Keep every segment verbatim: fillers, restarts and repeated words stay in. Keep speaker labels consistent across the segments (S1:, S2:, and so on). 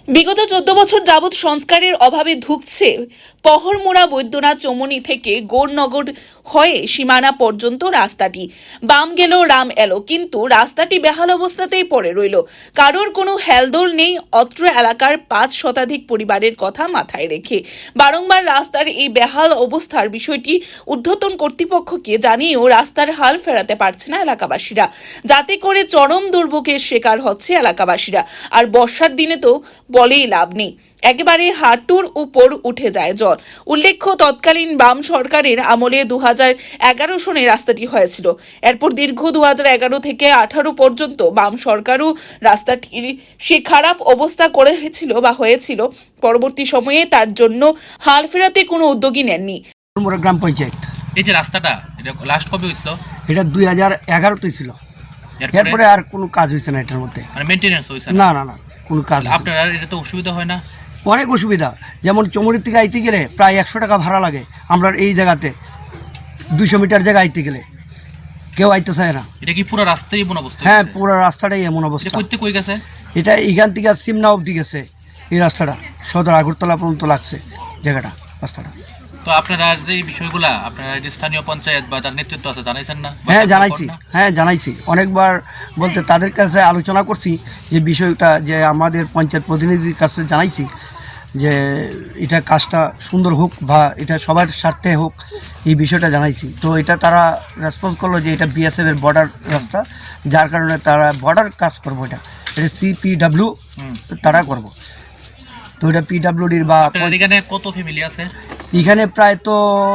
S1: বিগত চোদ্দ বছর যাবৎ সংস্কারের অভাবে ধুঁকছে পহরমোড়া বৈদ্যনাথ চৌমুহনী থেকে গৌরনগর হয়ে সীমানা পর্যন্ত রাস্তাটি। বাম গেল রাম এলো, কিন্তু রাস্তাটি বেহাল অবস্থাতেই পড়ে রইল। কারোর কোনো হেলদোল নেই অত্র এলাকার পাঁচ শতাধিক পরিবারের কথা মাথায় রেখে। বারংবার রাস্তার এই বেহাল অবস্থার বিষয়টি ঊর্ধ্বতন কর্তৃপক্ষকে জানিয়েও রাস্তার হাল ফেরাতে পারছে না এলাকাবাসীরা, যাতে করে চরম দুর্ভোগের শিকার হচ্ছে এলাকাবাসীরা। আর বর্ষার দিনে তো বলেই লাভ নেই, একেবারে হাঁটুর উপর উঠে যায় জল। উল্লেখ্য, তৎকালীন বাম সরকারের আমলে দু হাজার এগারো সনে রাস্তাটি হয়েছিল। এরপর দীর্ঘ দু হাজার এগারো থেকে আঠারো পর্যন্ত বাম সরকারও রাস্তাটির সে খারাপ অবস্থা করেছিল বা হয়েছিল। পরবর্তী সময়ে তার জন্য হাল ফেরাতে কোনো উদ্যোগী নেননি
S2: গ্রাম পঞ্চায়েত।
S3: এই যে রাস্তাটা এটা লাস্ট কবে হয়েছিল?
S2: এটা দুই হাজার এগারোতে ছিল। এরপরে আর কোনো কাজ হয়েছে না এটার মধ্যে,
S3: মানে মেইনটেনেন্স হয়েছে
S2: না না না কোনো কাজ।
S3: আপনার এটা তো অসুবিধা হয় না?
S2: অনেক অসুবিধা। যেমন চৌমুহনী থেকে আইতে গেলে প্রায় একশো টাকা ভাড়া লাগে। আমরা এই জায়গাতে দুইশো মিটার জায়গা আইতে গেলে কেউ আইতে চায় না।
S3: এটা কি পুরো রাস্তাই এমন অবস্থা?
S2: হ্যাঁ, পুরো রাস্তাটাই এমন অবস্থা।
S3: করতে কই গেছে
S2: এটা এখান থেকে সিমনা অবধি গেছে এই রাস্তাটা, সদর আগরতলা পর্যন্ত লাগছে জায়গাটা রাস্তাটা।
S3: তো আপনারা যে এই বিষয়গুলা আপনারা স্থানীয় পঞ্চায়েত বা তার নেতৃত্ব আছে জানাইছেন না?
S2: হ্যাঁ জানাইছি, হ্যাঁ জানাইছি অনেকবার। বলতে তাদের কাছে আলোচনা করছি যে বিষয়টা, যে আমাদের পঞ্চায়েত প্রতিনিধির কাছে জানাইছি যে এটা কাজটা সুন্দর হোক বা এটা সবার স্বার্থে হোক, এই বিষয়টা জানাইছি। তো এটা তারা রেসপন্স করলো যে এটা বিএসএফ এর বর্ডার রাস্তা, যার কারণে তারা বর্ডার কাজ করবো। এটা এটা সিপিডাব্লিউ তারা করবো। তো এটা পিডাব্লিউডির বা
S3: এখানে কত ফ্যামিলি আছে?
S2: এখানে প্রায় তো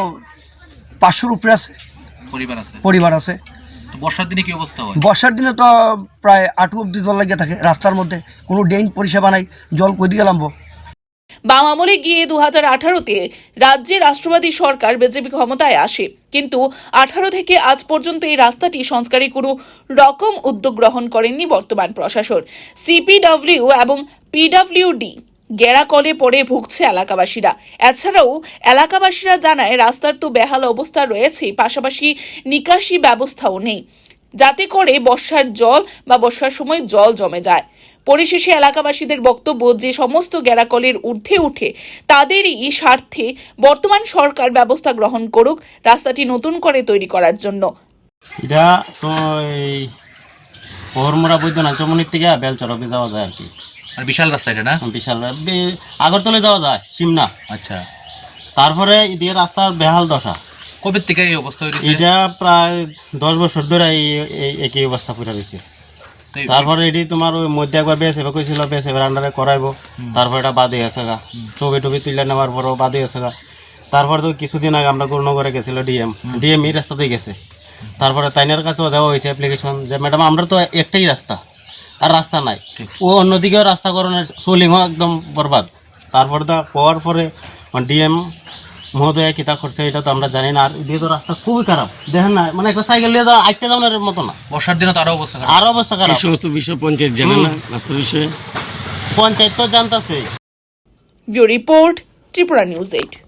S2: পাঁচশোর উপরে আছে
S3: পরিবার আছে
S2: পরিবার আছে
S3: তো বর্ষার দিনে কি অবস্থা হয়?
S2: বর্ষার দিনে তো প্রায় আটু অব্দি জল লাগিয়ে থাকে রাস্তার মধ্যে, কোনো ড্রেন পরিষেবা নাই। জল কই দিয়ে নামবো?
S1: বাম আমলে গিয়ে দু হাজার আঠারোতে রাজ্যে রাষ্ট্রবাদী সরকার বিজেপি ক্ষমতায় আসে, কিন্তু আঠারো থেকে আজ পর্যন্ত এই রাস্তাটি সংস্কারে কোনো রকম উদ্যোগ গ্রহণ করেননি বর্তমান প্রশাসন। সিপিডব্লিউ এবং পিডব্লিউডি গেরাকলে পড়ে ভুগছে এলাকাবাসীরা। এছাড়াও এলাকাবাসীরা জানায় রাস্তার তো বেহাল অবস্থা রয়েছে, পাশাপাশি নিকাশি ব্যবস্থাও নেই, যাতে করে বর্ষার জল বা বর্ষার সময় জল জমে যায়। পরিশেষে এলাকাবাসীদের বক্তব্য, যে সমস্ত গেরাকলের ঊর্ধ্বে উঠে তাদেরই স্বার্থে বর্তমান সরকার ব্যবস্থা গ্রহণ করুক রাস্তাটি নতুন করে তৈরি করার জন্য।
S4: এটা তো এই পহরমোড়া বৈদ্যনাথ চৌমুহনী থেকে বেলচর অব্দি যাওয়া যায় আর কি।
S3: আর বিশাল রাস্তা এটা না?
S4: বিশাল, আগরতলা যাওয়া যায় সিমনা।
S3: আচ্ছা,
S4: তারপরে এদিকে রাস্তার বেহাল দশা।
S3: কবে থেকে এই অবস্থা হয়েছে?
S4: এটা প্রায় দশ বছর ধরে এই একই অবস্থা পড়ে রয়েছে। তারপরে এটি তোমার ওই মধ্যে একবার বেশ এবার কইছিল বেশ এবার আন্ডারে করাইবো, তারপর এটা বাদে আছে গা। ছবি টবি তুলে নেওয়ার পরও বাদে আছে গা। তারপরে তো কিছুদিন আগে আমরা গৌরনগরে গেছিল ডিএম ডিএম এই রাস্তাতেই গেছে। তারপরে তাইনের কাছেও দেওয়া হয়েছে অ্যাপ্লিকেশন যে ম্যাডাম আমরা তো একটাই রাস্তা, আর রাস্তা নাই। ও অন্যদিকেও রাস্তা করণের সোলিংও একদম বরবাদ। তারপরে তো পাওয়ার পরে ডিএম মহোদয় কিতা করছে এটা তো আমরা জানি না। আর এদিকে তো রাস্তা খুবই খারাপ, দেখেন না, মানে একটা সাইকেল নিয়ে যাওয়া আটটা যাওয়ার মতো না।
S3: বর্ষার দিনে তো আরো অবস্থা খারাপ।
S4: আরো অবস্থা খারাপ।
S5: সমস্ত বিষয় পঞ্চায়েত জানে না রাস্তার বিষয়ে?
S4: পঞ্চায়েত তো জানতেছে।
S1: Bureau report, Tripura news eight.